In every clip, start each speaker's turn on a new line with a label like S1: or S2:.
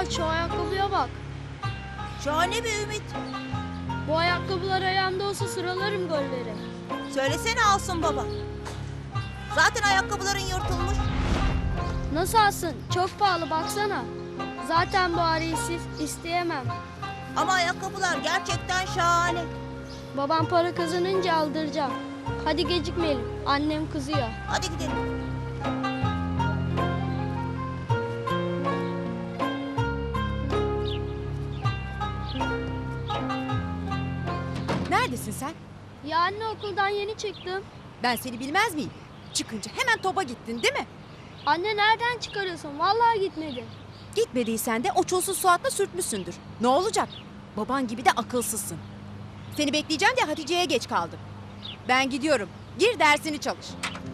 S1: Baba şu ayakkabıya bak.
S2: Şahane bir ümit.
S1: Bu ayakkabılar ayağımda olsa sıralarım golleri.
S2: Söylesene alsın baba. Zaten ayakkabıların yırtılmış.
S1: Nasıl alsın? Çok pahalı baksana. Zaten bu arayı isteyemem.
S2: Ama ayakkabılar gerçekten şahane.
S1: Babam para kazanınca aldıracağım. Hadi gecikmeyelim. Annem kızıyor.
S2: Hadi gidelim.
S3: Neredesin sen?
S1: Ya anne okuldan yeni çıktım.
S3: Ben seni bilmez miyim? Çıkınca hemen topa gittin değil mi?
S1: Anne nereden çıkarıyorsun? Vallahi gitmedim.
S3: Gitmediysen de o çulsuz Suat'la sürtmüşsündür. Ne olacak? Baban gibi de akılsızsın. Seni bekleyeceğim diye Hatice'ye geç kaldım. Ben gidiyorum. Gir dersini çalış.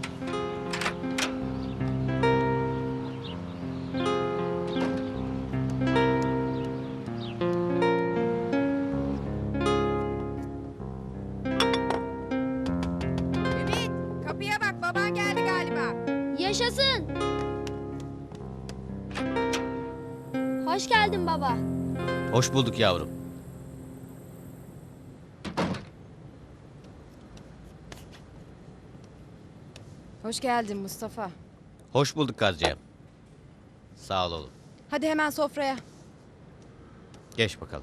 S3: Ümit, kapıya bak. Baban geldi galiba.
S1: Yaşasın. Hoş geldin baba.
S4: Hoş bulduk yavrum.
S3: Hoş geldin Mustafa.
S4: Hoş bulduk Kadriye. Sağ ol oğlum.
S3: Hadi hemen sofraya.
S4: Geç bakalım.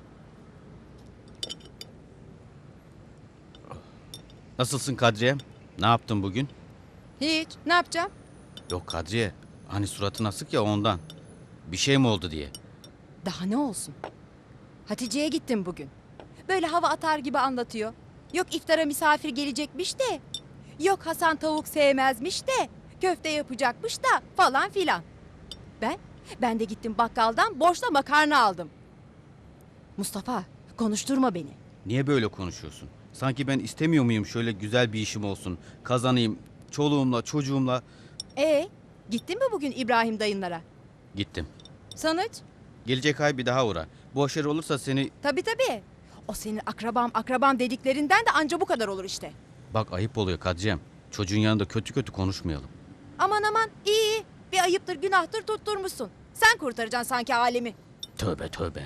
S4: Nasılsın Kadriye? Ne yaptın bugün?
S3: Hiç. Ne yapacağım?
S4: Yok Kadriye. Hani suratın asık ya ondan. Bir şey mi oldu diye.
S3: Daha ne olsun? Hatice'ye gittim bugün. Böyle hava atar gibi anlatıyor. Yok iftara misafir gelecekmiş de. Yok Hasan tavuk sevmezmiş de. Köfte yapacakmış da falan filan. Ben de gittim bakkaldan borçla makarna aldım. Mustafa konuşturma beni.
S4: Niye böyle konuşuyorsun? Sanki ben istemiyor muyum şöyle güzel bir işim olsun. Kazanayım çoluğumla çocuğumla.
S3: Gittin mi bugün İbrahim dayınlara?
S4: Gittim.
S3: Sonuç?
S4: Gelecek ay bir daha uğra. Bu aşırı olursa seni...
S3: Tabii. O senin akrabam dediklerinden de anca bu kadar olur işte.
S4: Bak ayıp oluyor Kadriyem. Çocuğun yanında kötü kötü konuşmayalım.
S3: Aman iyi. Bir ayıptır günahtır tutturmuşsun. Sen kurtaracaksın sanki alemi.
S4: Tövbe tövbe.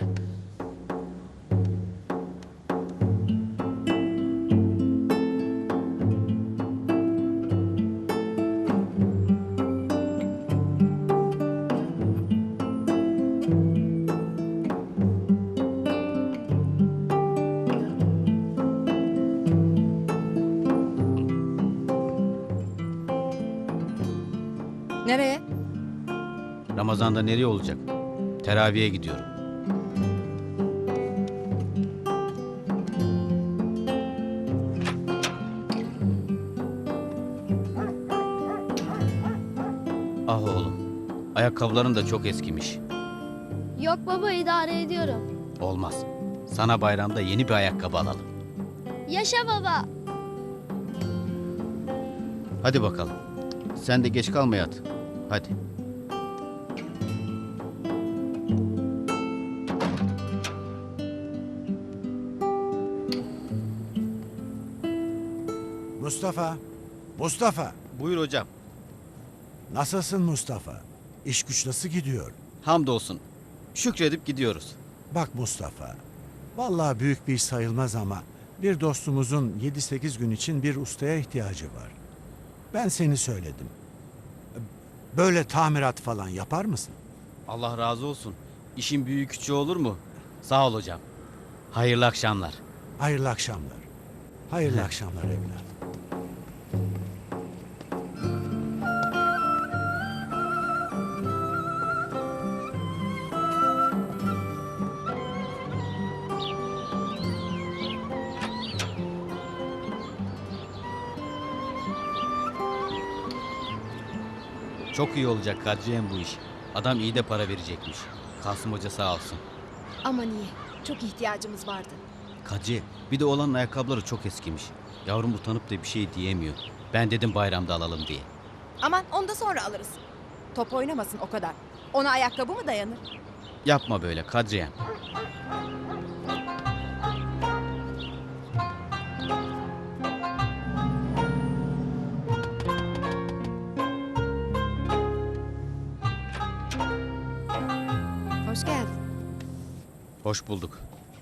S3: Nereye?
S4: Ramazan'da nereye olacak? Teraviye gidiyorum. Ah oğlum. Ayakkabıların da çok eskimiş.
S1: Yok baba idare ediyorum.
S4: Olmaz. Sana bayramda yeni bir ayakkabı alalım.
S1: Yaşa baba.
S4: Hadi bakalım. Sen de geç kalma yat. Hadi.
S5: Mustafa,
S4: Buyur hocam.
S5: nasılsın Mustafa? İş güç nasıl gidiyor?
S4: Hamdolsun. Şükredip gidiyoruz.
S5: Bak Mustafa, vallahi büyük bir iş sayılmaz ama bir dostumuzun 7-8 gün için bir ustaya ihtiyacı var. Ben seni söyledim. Böyle tamirat falan yapar mısın?
S4: Allah razı olsun. İşin büyüğü küçüğü olur mu? Sağ ol hocam. Hayırlı akşamlar.
S5: Hayırlı akşamlar. Hayırlı akşamlar evlat.
S4: Çok iyi olacak Kadriye'm bu iş. Adam iyi de para verecekmiş. Kasım Hoca sağ olsun.
S3: Aman iyi. Çok ihtiyacımız vardı.
S4: Kadriye bir de olanın ayakkabıları çok eskimiş. Yavrum utanıp da bir şey diyemiyor. Ben dedim bayramda alalım diye.
S3: Aman onu da sonra alırız. Top oynamasın o kadar. Ona ayakkabı mı dayanır?
S4: Yapma böyle Kadriye'm.
S3: Hoş geldin.
S4: Hoş bulduk.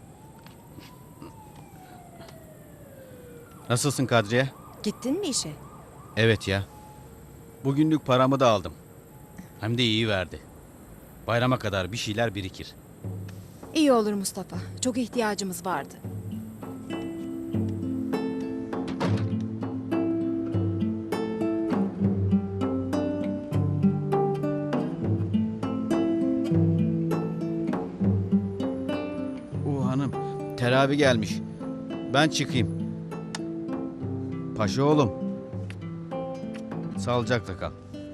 S4: Nasılsın Kadriye?
S3: Gittin mi işe?
S4: Evet ya. Bugünlük paramı da aldım. Hem de iyi verdi. Bayrama kadar bir şeyler birikir.
S3: İyi olur Mustafa. Çok ihtiyacımız vardı.
S4: Hanım, terabi gelmiş. Ben çıkayım. Paşa oğlum. Sağlıcakla kal.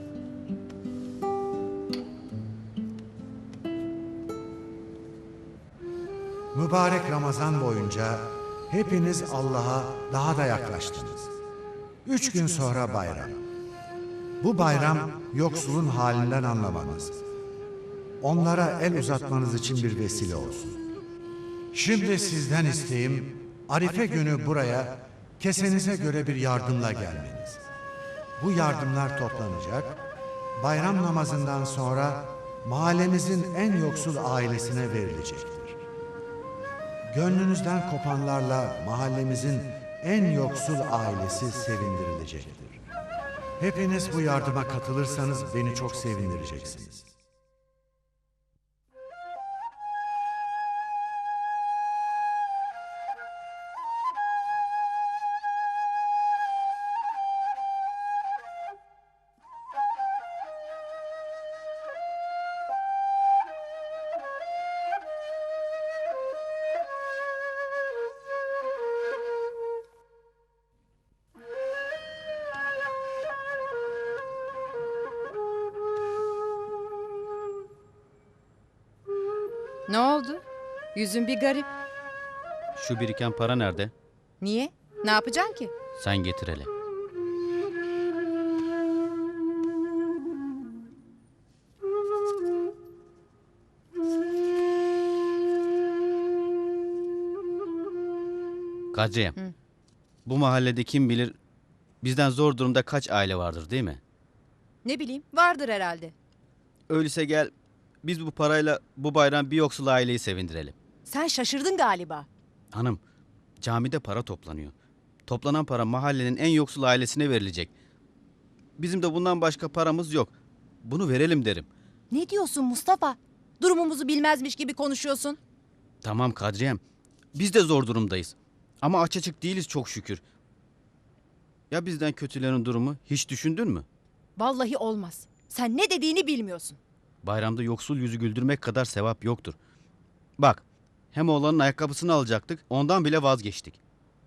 S5: Mübarek Ramazan boyunca hepiniz Allah'a daha da yaklaştınız. 3 gün sonra bayram. Bu bayram yoksulun halinden anlamanız, onlara el uzatmanız için bir vesile olsun. Şimdi sizden isteğim Arife günü buraya kesenize göre bir yardımla gelmeniz. Bu yardımlar toplanacak, bayram namazından sonra mahallemizin en yoksul ailesine verilecektir. Gönlünüzden kopanlarla mahallemizin en yoksul ailesi sevindirilecektir. Hepiniz bu yardıma katılırsanız beni çok sevindireceksiniz.
S3: Ne oldu? Yüzün bir garip.
S4: Şu biriken para nerede?
S3: Niye? Ne yapacaksın ki?
S4: Sen getir hele. Kadriye, bu mahallede kim bilir bizden zor durumda kaç aile vardır değil mi?
S3: Ne bileyim, vardır herhalde.
S4: Öyleyse gel biz bu parayla bu bayram bir yoksul aileyi sevindirelim.
S3: Sen şaşırdın galiba.
S4: Hanım, camide para toplanıyor. Toplanan para mahallenin en yoksul ailesine verilecek. Bizim de bundan başka paramız yok. Bunu verelim derim.
S3: Ne diyorsun Mustafa? Durumumuzu bilmezmiş gibi konuşuyorsun.
S4: Tamam Kadriyem, biz de zor durumdayız. Ama aç açık değiliz çok şükür. Ya bizden kötülerin durumu hiç düşündün mü?
S3: Vallahi olmaz. Sen ne dediğini bilmiyorsun.
S4: Bayramda yoksul yüzü güldürmek kadar sevap yoktur. Bak, hem oğlanın ayakkabısını alacaktık, ondan bile vazgeçtik.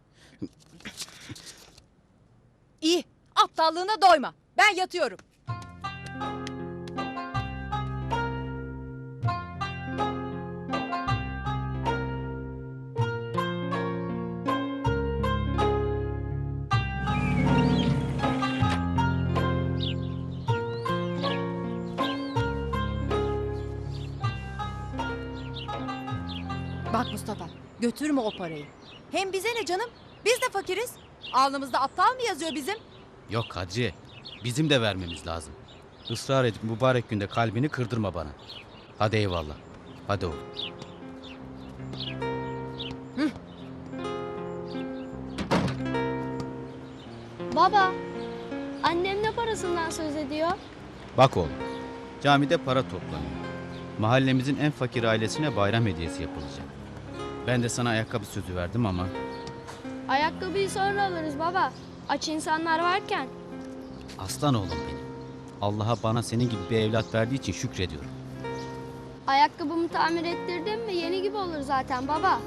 S3: İyi, aptallığına doyma. Ben yatıyorum. Bak Mustafa, götürme o parayı. Hem bize ne canım? Biz de fakiriz. Alnımızda aptal mı yazıyor bizim?
S4: Yok Kadriye, bizim de vermemiz lazım. Israr edip mübarek günde kalbini kırdırma bana. Hadi eyvallah. Hadi oğlum.
S1: Baba, annem ne parasından söz ediyor?
S4: Bak oğlum, camide para toplanıyor. Mahallemizin en fakir ailesine bayram hediyesi yapılacak. Ben de sana ayakkabı sözü verdim ama...
S1: Ayakkabıyı sonra alırız baba. Aç insanlar varken.
S4: Aslan oğlum benim. Allah'a bana senin gibi bir evlat verdiği için şükrediyorum.
S1: Ayakkabımı tamir ettirdim mi yeni gibi olur zaten baba.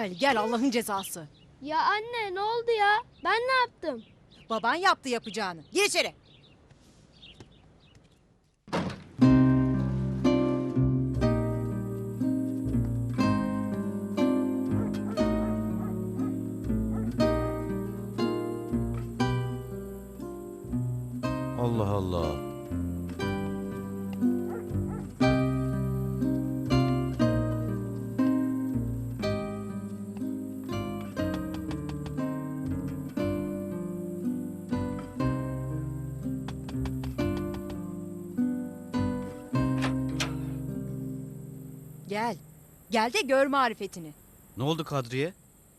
S3: Gel gel Allah'ın cezası.
S1: Ya anne ne oldu ya? Ben ne yaptım?
S3: Baban yaptı yapacağını. Gir içeri.
S4: Allah Allah.
S3: Gel. Gel de gör marifetini.
S4: Ne oldu Kadriye?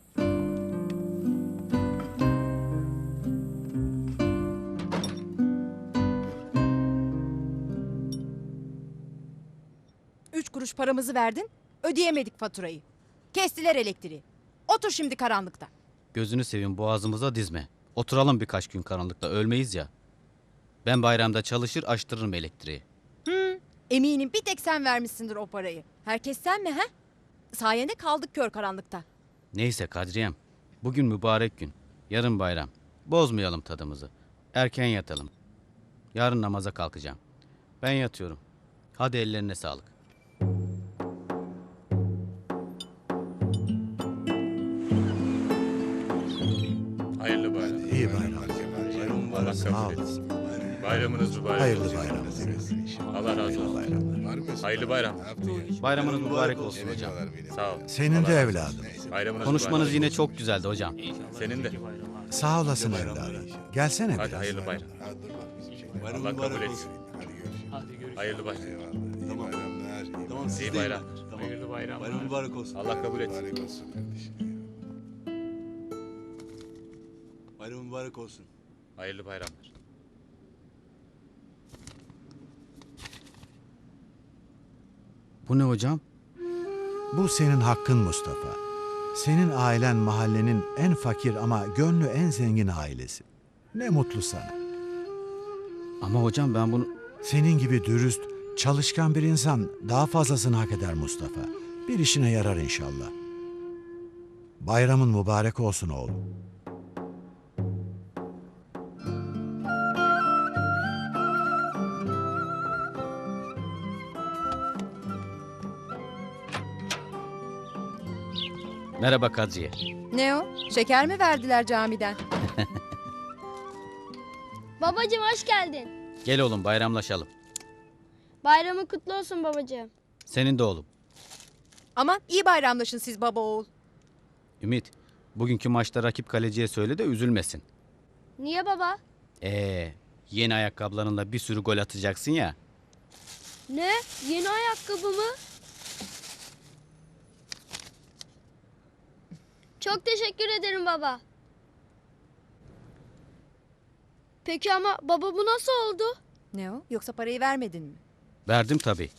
S3: Üç kuruş paramızı verdin. Ödeyemedik faturayı. Kestiler elektriği. Otur şimdi karanlıkta.
S4: Gözünü seveyim, boğazımıza dizme. Oturalım birkaç gün karanlıkta, ölmeyiz ya. Ben bayramda çalışır açtırırım elektriği.
S3: Eminim bir tek sen vermişsindir o parayı. Herkes sen mi ha? Sayende kaldık kör karanlıkta.
S4: Neyse Kadriyem. Bugün mübarek gün. Yarın bayram. Bozmayalım tadımızı. Erken yatalım. Yarın namaza kalkacağım. Ben yatıyorum. Hadi ellerine sağlık.
S6: Hayırlı bayram.
S5: İyi bayram.
S6: Bayram mübarek
S5: Sağ
S6: kabul
S5: ol.
S6: etsin. Bayramınız mübarek
S5: Hayırlı
S6: olsun.
S5: bayram.
S6: Allah razı olsun. Hayırlı bayram.
S4: Bayramınız mübarek olsun hocam.
S6: Sağ ol.
S5: Senin de evladım.
S6: Bayramınız
S4: Konuşmanız
S6: mübarek
S4: yine
S6: olsun.
S4: çok güzeldi hocam.
S6: Senin de.
S5: Sağ olasın evladım. Gelsene
S6: Hadi
S5: biraz.
S6: hayırlı bayram. Allah kabul etsin. Hayırlı bayram.
S7: Tamam siz
S6: İyi
S7: de
S6: bayram.
S7: Hayırlı bayram. Bayram mübarek olsun.
S6: Allah kabul etsin.
S7: Bayram mübarek olsun.
S6: Hayırlı bayramlar.
S4: Bu ne hocam?
S5: Bu senin hakkın Mustafa. Senin ailen mahallenin en fakir ama gönlü en zengin ailesi. Ne mutlu sana.
S4: Ama hocam ben bunu...
S5: Senin gibi dürüst, çalışkan bir insan daha fazlasını hak eder Mustafa. Bir işine yarar inşallah. Bayramın mübarek olsun oğlum.
S4: Merhaba Kadriye.
S3: Ne o? Şeker mi verdiler camiden?
S1: Babacığım hoş geldin.
S4: Gel oğlum bayramlaşalım.
S1: Bayramın kutlu olsun babacığım.
S4: Senin de oğlum.
S3: Aman iyi bayramlaşın siz baba oğul.
S4: Ümit, bugünkü maçta rakip kaleciye söyle de üzülmesin.
S1: Niye baba?
S4: Yeni ayakkabılarınla bir sürü gol atacaksın ya.
S1: Ne? Yeni ayakkabı mı? Çok teşekkür ederim baba. Peki ama baba bu nasıl oldu?
S3: Ne o? Yoksa parayı vermedin mi?
S4: Verdim tabii.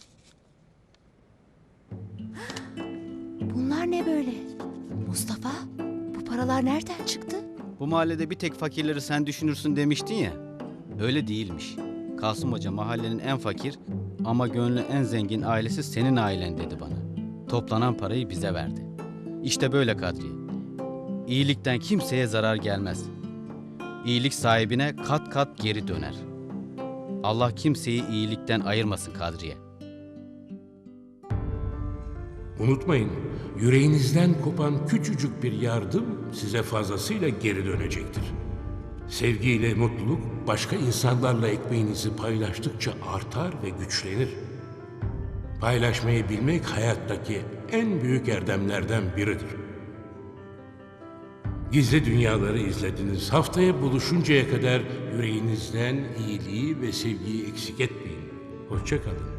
S3: Bunlar ne böyle? Mustafa, bu paralar nereden çıktı?
S4: Bu mahallede bir tek fakirleri sen düşünürsün demiştin ya. Öyle değilmiş. Kasım Hoca mahallenin en fakir ama gönlü en zengin ailesi senin ailen dedi bana. Toplanan parayı bize verdi. İşte böyle Kadriye. İyilikten kimseye zarar gelmez. İyilik sahibine kat kat geri döner. Allah kimseyi iyilikten ayırmasın Kadriye.
S8: Unutmayın, yüreğinizden kopan küçücük bir yardım size fazlasıyla geri dönecektir. Sevgiyle mutluluk başka insanlarla ekmeğinizi paylaştıkça artar ve güçlenir. Paylaşmayı bilmek hayattaki en büyük erdemlerden biridir. Gizli Dünyaları izlediniz. Haftaya buluşuncaya kadar yüreğinizden iyiliği ve sevgiyi eksik etmeyin. Hoşça kalın.